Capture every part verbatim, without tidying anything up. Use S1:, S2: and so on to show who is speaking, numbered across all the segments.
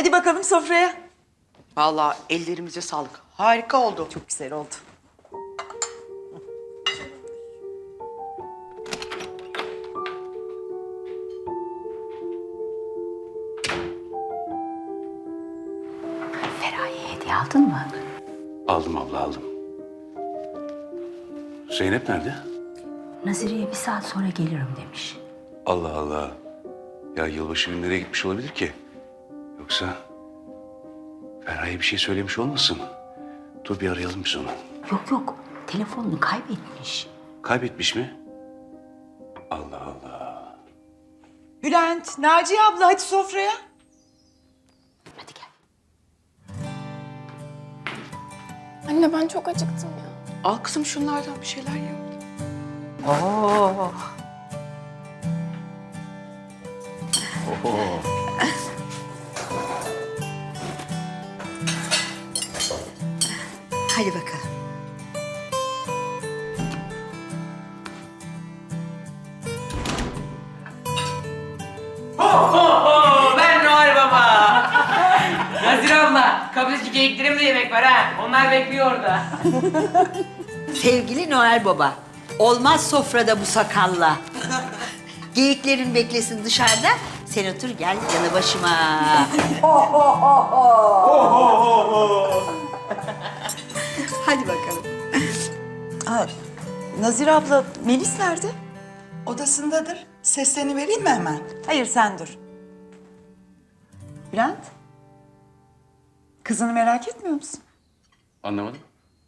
S1: Hadi bakalım sofraya.
S2: Vallahi ellerimize sağlık. Harika oldu.
S1: Çok güzel oldu.
S3: Feraye'ye hediye aldın mı?
S4: Aldım abla aldım. Zeynep nerede?
S3: Nazire'ye bir saat sonra gelirim demiş.
S4: Allah Allah. Ya yılbaşı günü nereye gitmiş olabilir ki? Yoksa Feraye bir şey söylemiş olmasın? Dur bir arayalım biz onu.
S3: Yok yok, telefonunu kaybetmiş.
S4: Kaybetmiş mi? Allah Allah.
S1: Bülent, Naciye abla hadi sofraya.
S3: Hadi gel.
S5: Anne ben çok acıktım ya.
S2: Al kızım şunlardan bir şeyler ye.
S1: Oo.
S3: Hadi bakalım.
S6: Ben Noel Baba. Nazire abla, kapıdaki geyiklerimde yemek var ha. Onlar bekliyor orada.
S7: Sevgili Noel Baba, olmaz sofrada bu sakalla. Geyiklerin beklesin dışarıda, sen otur gel yanı başıma. Hadi bakalım.
S1: Aa, Nazire abla, Melis nerede?
S8: Odasındadır. Seslerini vereyim mi hemen?
S1: Hayır sen dur. Bülent. Kızını merak etmiyor musun?
S4: Anlamadım.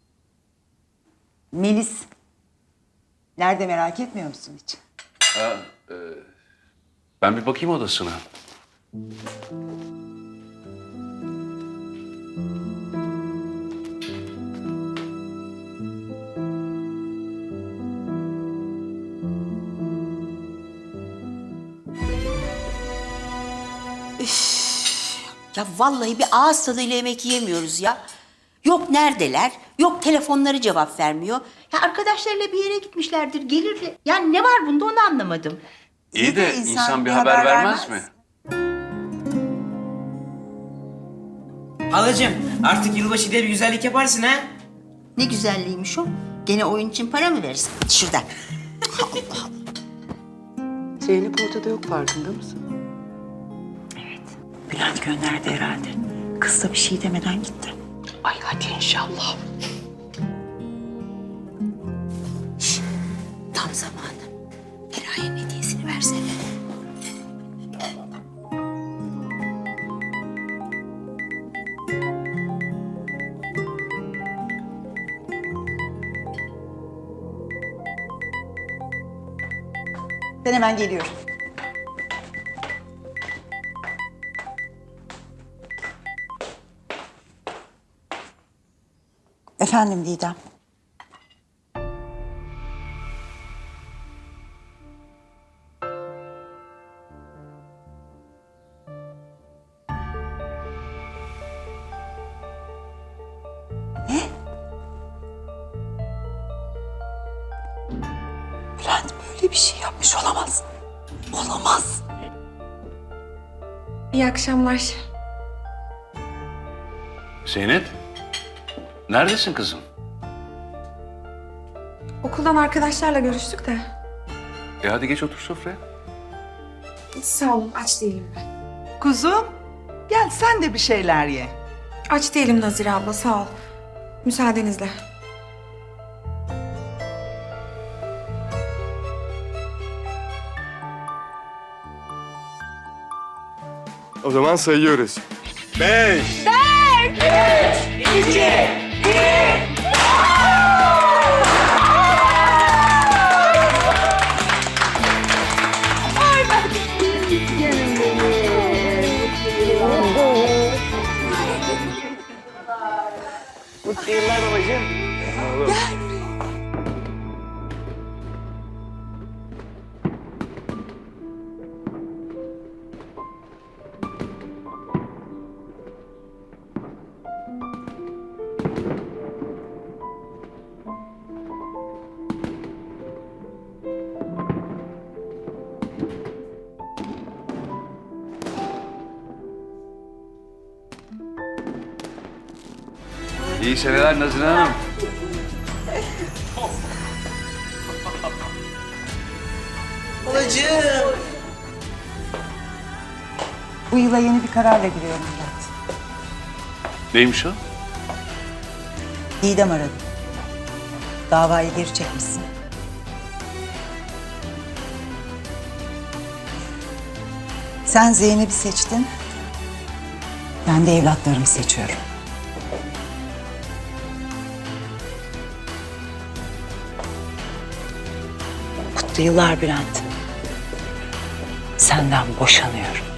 S1: Melis. Nerede merak etmiyor musun hiç?
S4: Ha, e, ben bir bakayım odasına.
S7: Ya vallahi bir ağız tadıyla yemek yiyemiyoruz ya. Yok neredeler, yok telefonları cevap vermiyor. Ya arkadaşlarıyla bir yere gitmişlerdir, gelir. Yani ne var bunda onu anlamadım.
S4: İyi de
S1: insan
S4: insan,
S1: bir
S4: bir haber,
S1: haber
S4: vermez,
S1: vermez.
S4: mi?
S6: Halacığım, artık yılbaşı diye bir güzellik yaparsın ha.
S7: Ne güzelliğiymiş o. Gene oyun için para mı verirsin? Şuradan.
S2: Zeynep ortada yok, farkında mısın?
S1: Bülent gönderdi herhalde. Kız da bir şey demeden gitti.
S2: Ay hadi inşallah.
S7: Tam zamanı. Feraye'nin hediyesini versene.
S1: Ben hemen geliyorum. Efendim Didem. Ne? Bülent böyle bir şey yapmış olamaz. Olamaz.
S5: İyi akşamlar.
S4: Zeynep, neredesin kızım?
S5: Okuldan arkadaşlarla görüştük de.
S4: E hadi geç otur sofraya.
S5: Sağ olun, aç değilim ben.
S8: Kuzum, gel sen de bir şeyler ye.
S5: Aç değilim Nazire abla, sağ ol. Müsaadenizle.
S9: O zaman sayıyoruz. Beş.
S6: Mutlu yıllar babacığım.
S4: İyi seneler Nazire Hanım.
S1: Bu yıla yeni bir kararla giriyorum Bülent.
S4: Neymiş o?
S1: Didem aradı. Davayı geri çekmişsin. Sen Zeynep'i seçtin. Ben de evlatlarımı seçiyorum. Mutlu yıllar Bülent. Senden boşanıyorum.